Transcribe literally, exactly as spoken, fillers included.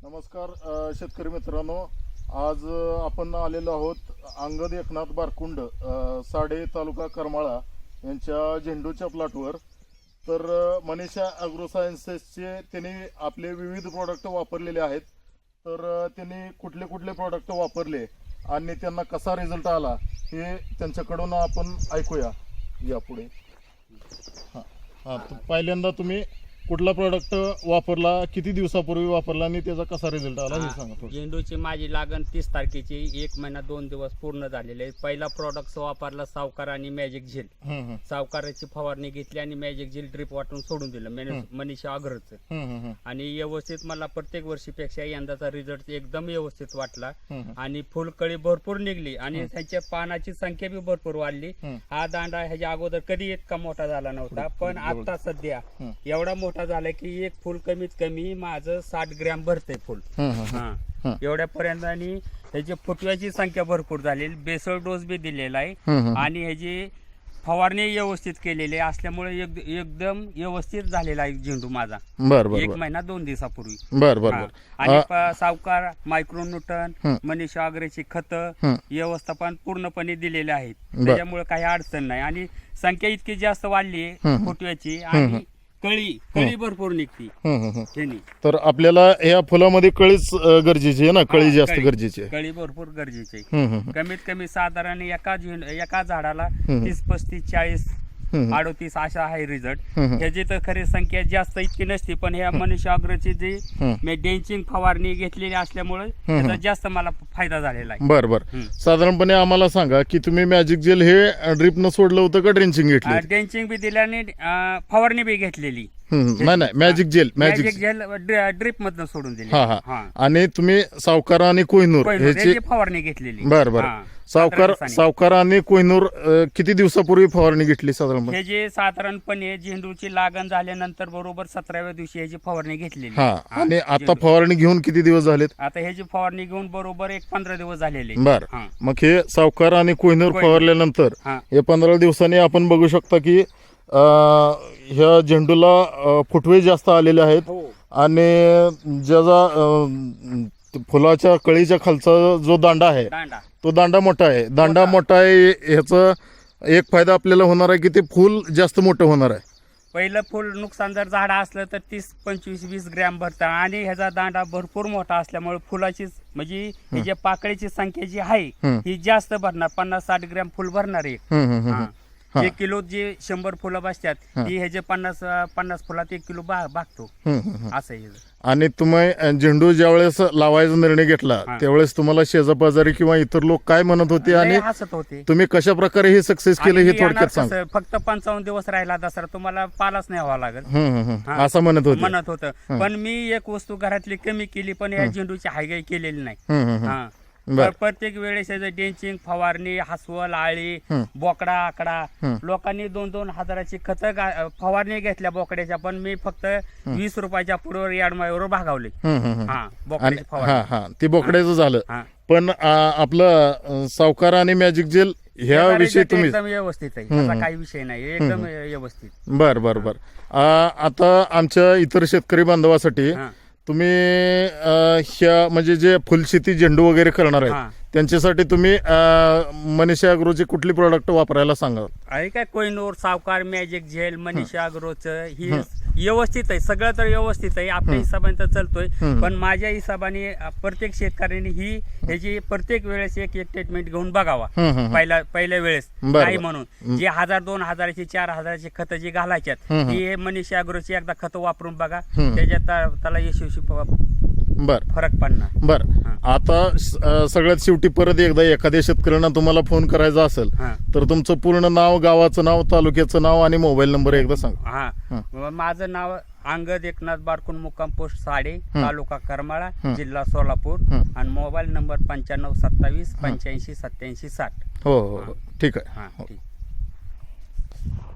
नमस्कार अ, शेतकरी मित्रांनो, आज अ, आपण आलेलो आहोत अंगद एकनाथ बारकुंड अ, साडे तालुका करमाळा यांच्या झेंडूच्या प्लॉटवर. तर अ, मनीषा ॲग्रो सायन्सेसचे त्यांनी आपले विविध प्रोडक्ट वापरलेले आहेत. तर अ, त्यांनी कुठले कुठले प्रोडक्ट वापरले आणि त्यांना कसा रिझल्ट आला हे त्यांच्याकडून आपण ऐकूया यापुढे. हां हां पहिल्यांदा तुम्ही कुठला प्रोडक्ट वापरला, किती दिवसापूर्वी वापरला आणि त्याचा कसा रिझल्ट आला हे सांगा थोडं. झेंडूची माझी लागण तीस तारखेची एक महिना दोन दिवस पूर्ण झालेले आहे. पहिला प्रोडक्ट वापरला सावकार आणि मॅजिक झेल. हं, हं. सावकाराची फवारणी घेतली आणि मॅजिक झेल ड्रिप वाटून सोडून दिलं मॅने- मनीषा अग्रचं. हं, हं, हं. आणि व्यवस्थित मला प्रत्येक वर्षीपेक्षा यंदाचा रिझल्ट एकदम व्यवस्थित वाटला. हं, हं. आणि फुलकळी भरपूर निघली आणि त्याच्या पानाची संख्या बी भरपूर वाढली. हं. हा दांडा ह्याच्या अगोदर कधी इतका मोठा झाला नव्हता, पण आता सध्या हं. एवढा मोठा झाला की एक फुल कमीत कमी माझं साठ ग्रॅम भरतंय फुल. हं, हं, हं. हा हं. एवढ्या पर्यंत. आणि ह्याची फुटव्याची संख्या भरपूर झाली, बेसल डोस बी दिलेला आहे. हं, हं. आणि ह्याची फवारणी व्यवस्थित केलेली आहे असल्यामुळे एक- एकदम व्यवस्थित झालेला आहे झेंडू माझा बर बर एक बर महिना दोन दिवसापूर्वी. बर बर हा. बर आणि आ- प- सावकार मायक्रोन्यूटन हं. मनीषा अग्रेची खत हं. व्यवस्थापन पूर्णपणे दिलेले आहेत. बर. त्याच्यामुळे काही अडचण नाही. आणि संख्या इतकी जास्त वाढली आहे हं. फुटव्याची. आणि कळी कळी भरपूर निघती हं, हं, हं. ह्यानी. तर आपल्याला या फुलामध्ये कळीच अ, गरजेची आहे ना, कळी हा, जास्त कळी. गरजेची आहे. कळी भरपूर गरजेची आहे. हं, हं, हं. कमीत कमी साधारण एका झेंड एका झाडाला हं. तीस पस्तीस चाळीस हं, हं. अडोतीस अशा आहे रिझल्ट. हं, हं. ह्याची तर खरी संख्या जास्त इतकी नसती, पण ह्या मनीषा अग्रची जी हं. मी डेंचिंग फवारणी घेतलेली असल्यामुळे त्याचा जास्त मला फायदा झालेला आहे. बर बर हं. साधारणपणे आम्हाला सांगा की तुम्ही मॅजिक जेल हे ड्रिपनं सोडलं होतं का ड्रेंचिंग घेतली? डेंचिंग बी दिल्याने अं, फवारणी बी घेतलेली. हं, हं. नाही नाही magic gel magic magic gel drip मधनं सोडून दिली. हा हा हा. आणि तुम्ही सावकार आणि कोहिनूर पहिलं ह्याची त्याची फवारणी घेतलेली. बर बर हा. सावकार पंधरा दिवसांनी. सावकार आणि कोहिनूर अ, किती दिवसापूर्वी फवारणी घेतली साधारणपणे? हे जे साधारणपणे झेंडूची लागण झाल्यानंतर बरोबर सतराव्या दिवशी ह्याची फवारणी घेतलेली. हा हा, आणि आता झेंडू. फवारणी घेऊन किती दिवस झालेत? आता ह्याची फवारणी घेऊन बरोबर एक पंधरा दिवस झालेले. बर हा. मग हे सावकार आणि कोहिनूर कोहिनूर. फवारल्यानंतर हा. हे पंधरा दिवसांनी आपण बघू शकता की अ, ह्या झेंडूला अ, फुटवे जास्त आलेले आहेत. हो. आणि ज्याचा अ, फुलाच्या कळीच्या खालचा जो दांडा आहे दांडा तो दांडा मोठा आहे. दांडा मोठा. मोठा आहे ह्याचा एक फायदा आपल्याला होणार आहे की ते फुल जास्त मोठं होणार आहे. पहिलं फुल नुकसान जर झाड असलं तर तीस पंचवीस वीस ग्रॅम भरतं. आणि ह्याचा दांडा भरपूर मोठा असल्यामुळे फुलाची म्हणजे ह्याच्या पाकळीची संख्या जी आहे हं. ही जास्त भरणार. पन्नास साठ ग्रॅम फुल भरणार आहे. हं, हं, हं, हा. हं. हा. एक किलो जे शंभर फुलं बसतात ती ह्याचे पन्नास पन्नास फुलात एक किलो बा भागतो. हं, हं, हं. असं आहे ह्याचं. आणि तुम्ही अ, झेंडू ज्यावेळेस लावायचा निर्णय घेतला हा. त्यावेळेस तुम्हाला शेजापाजारी किंवा इतर लोक काय म्हणत होते आणि लय हसत होते. तुम्ही कशा प्रकारे हे सक्सेस केलं आणि हे मी येणार थोडक्यात सांग. कसं, फक्त पंचावन्न दिवस राहिला दसरा, तुम्हाला पालाच नाही व्हावा लागेल हं, हं, हं. हा. असं म्हणत होते. म्हणत होतं. पण मी एक वस्तू घरातली कमी केली, पण या झेंडूची हायगाई केलेली नाही. हं, हं, हं. हा. बर. तर प्रत्येक वेळेस याचं डेंचिंग फवारणी हसवल आळी हं. बोकडा आकडा हं. लोकांनी दोन दोन हजाराची खत फवारणी घेतल्या बोकड्याच्या, पण मी फक्त वीस रुपयाच्या पुढवर याडमाळीवर भागावले. हं, हं, हं. हा आणि बोकड्याची हा फवारणी. हा ते बोकड्याचं झालं. हा. पण आ, आपलं अ, सावकार आणि मॅजिक जेल ह्या त्याचा विषयी result तुम्ही एकदम व्यवस्थित आहे. हं, त्याचा हं. काही विषय नाही, एकदम व्यवस्थित. बर बर बर आ, आता आमच्या इतर शेतकरी बांधवासाठी हा. तुम्ही अ, ह्या म्हणजे जे फुलशेती झेंडू वगैरे करणार हा. आहेत त्यांच्यासाठी तुम्ही अ, मनीषा अग्रोचे कुठली प्रोडक्ट वापरायला सांगा? आहे काय कोहिनूर सावकार मॅजिक झेल मनीषा अग्रोचं ही व्यवस्थित आहे. सगळं तर व्यवस्थित आहे, आपल्या हिशोबाने तर चालतोय. हं. पण माझ्या हिशोबाने अ, प्रत्येक शेतकऱ्यांनी ही ह्याची प्रत्येक वेळेस एक एक ट्रीटमेंट घेऊन बघावा. हं, हं, हं. पहिल्या पहिल्या वेळेस बरं, नाही बरं. म्हणून जे हजार दोन हजाराची चार हजाराची खत जी घालायच्यात हं, हं. ही हे मनीषा अग्रोची एकदा खत वापरून बघा. हं. त्याच्यात त्या- त्याला यशस्वी फ- बर फरक पडणार. बर हा. आता स- अ, सगळ्यात शेवटी परत एकदा एखाद्या शेतकऱ्यांना तुम्हाला फोन करायचा असेल हा. तर तुमचं पूर्ण नाव, गावाचं नाव, तालुक्याचं नाव आणि मोबाईल नंबर एकदा सांगा. हा. हं. व माझं नाव अंगद एकनाथ बारकुंड, मुक्काम पोस्ट साडे, हं. तालुका करमाळा, हं. जिल्हा सोलापूर. हं. आणि मोबाईल नंबर पंच्याण्णव सत्तावीस पंच्याऐंशी सत्याऐंशी साठ. हो हो हो ठीक आहे. हा हो. ठीक.